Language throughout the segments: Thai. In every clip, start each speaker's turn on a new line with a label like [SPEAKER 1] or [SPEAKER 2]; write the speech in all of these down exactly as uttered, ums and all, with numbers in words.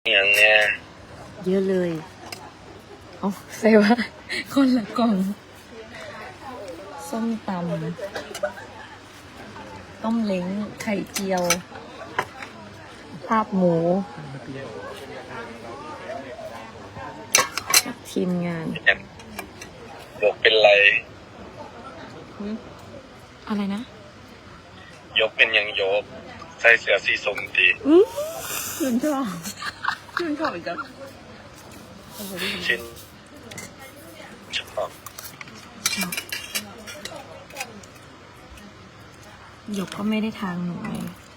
[SPEAKER 1] อย่างเนี้ย
[SPEAKER 2] เยอะเลยเอาใส่ว่าคนละกล่องส้มตำต้มเล้งไข่เจียวภาพหมูจากทีมงาน
[SPEAKER 1] ยกเป็นไร
[SPEAKER 2] อะไรนะ
[SPEAKER 1] ยกเป็นยังยกใส่เสื้อสีส้มตี
[SPEAKER 2] ชื่นชอบชื่นชอบอีกแล้ว
[SPEAKER 1] ชิ้นชอบ
[SPEAKER 2] หยกก็ไม่ได้ทางหนูเลย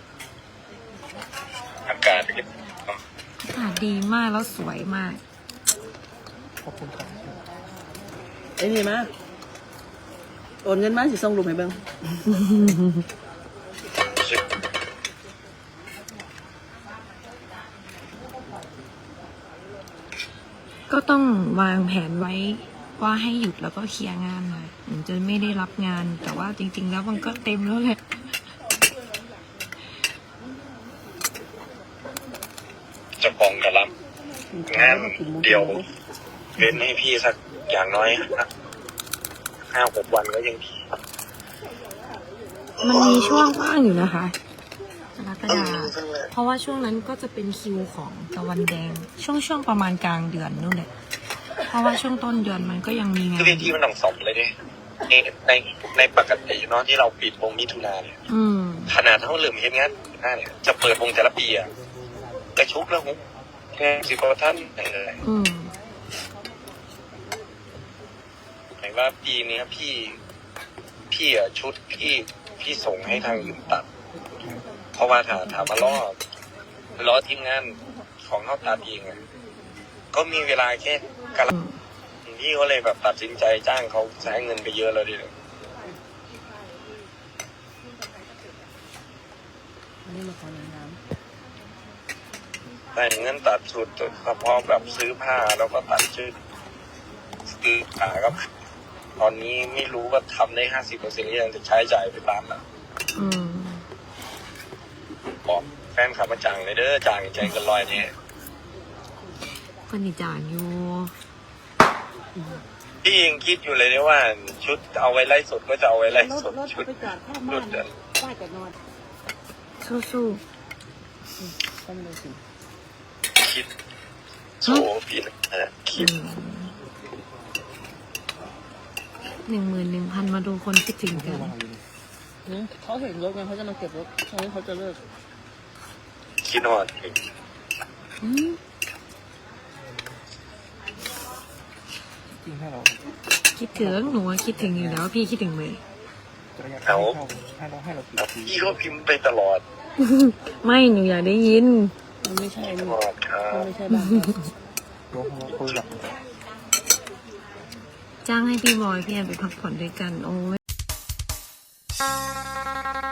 [SPEAKER 1] อากาศเป็น
[SPEAKER 2] อากาศดีมากแล้วสวยมาก
[SPEAKER 3] ขอบคุณครับไอ้นี่มาโอนเงินมาสิส่งรูปให้เบิ่ง
[SPEAKER 2] ก็ต้องวางแผนไว้ว่าให้หยุดแล้วก็เคลียร์งานนะถึงจะไม่ได้รับงานแต่ว่าจริงๆแล้วมันก็เต็มแล้วแหละ
[SPEAKER 1] จะปองกระลำงานเดียวเป็นให้พี่สักอย่างน้อยห้าหกวันก็ยังพี่
[SPEAKER 2] มันมีช่วงว่างอยู่นะคะกรกฎาเพราะว่าช่วงนั้นก็จะเป็นคิวของตะวันแดงช่วงช่วงประมาณกลางเดือนนู่นแหละเพราะว่าช่วงต้นเดือนมันก็ยังมีงาน
[SPEAKER 1] ที่ที่มันต้องสอบเลยดิในในในปกติเนาะที่เราปิดวงมิถุนาเนี่ยขนาดเท่าเริ่มเห็นงานหน้าเนี่ยจะเปิดวงแต่ละปีอะกระชุบแล้วฮุบแค่สิบกว่าท่านเลยหมายว่าปีนี้พี่พี่อะชุดพี่พี่ส่งให้ทางอื่นตัดเพราะว่าถามถามมาล้อล้อทีมงานของเขาตัดเองอะก็มีเวลาแค่กะละพี่ก็เลยแบบตัดสินใจจ้างเขาใช้เงินไปเยอะแล้วดิ
[SPEAKER 3] นี่มาขอหน้
[SPEAKER 1] ำแต่เงินตัดสุดเฉพาะแบบซื้อผ้าแล้วก็ตัดชุดซื้อขาครับตอนนี้ไม่รู้ว่าทำได้ห้าสิบเปอร์เซ็นต์หรือยังจะใช้จ่ายไปตามนั้นบอกแฟนขับมาจ่างเลยเด้อจ่างใจกันลอยเนี่ย
[SPEAKER 2] ก็นี่จ่างอยู่
[SPEAKER 1] พี่ยังคิดอยู่เลยว่าชุดเอาไว้ไล่สดก็จะเอาไว้ไล่สดชุดรุดเดิน
[SPEAKER 3] ป้าจะนอน
[SPEAKER 2] สู้
[SPEAKER 3] ๆต้องเลยสิ
[SPEAKER 1] คิดโซพี่นะคิด
[SPEAKER 2] หนึ่งหมื่นหนึ่งพันมาดูคนคิดถึงกัน
[SPEAKER 3] เขาเห็นรถไงเขาจะมาเก็บรถตอนนี้เขาจะเลิก
[SPEAKER 1] คิดหอด
[SPEAKER 2] คิดถึงหนูคิดถึงอยู่แล้วพี่คิดถึงเลย
[SPEAKER 1] เอาพี่ก็พิมพ์ไปตลอด
[SPEAKER 2] ไม่หนูอยากได้ยิน
[SPEAKER 3] มันไม่ใช่
[SPEAKER 1] หอดครับ
[SPEAKER 3] ไม่ใช่บ้าน
[SPEAKER 2] จ้างให้พี่บอยพี่แอนไปพักผ่อนด้วยกันโอ้ย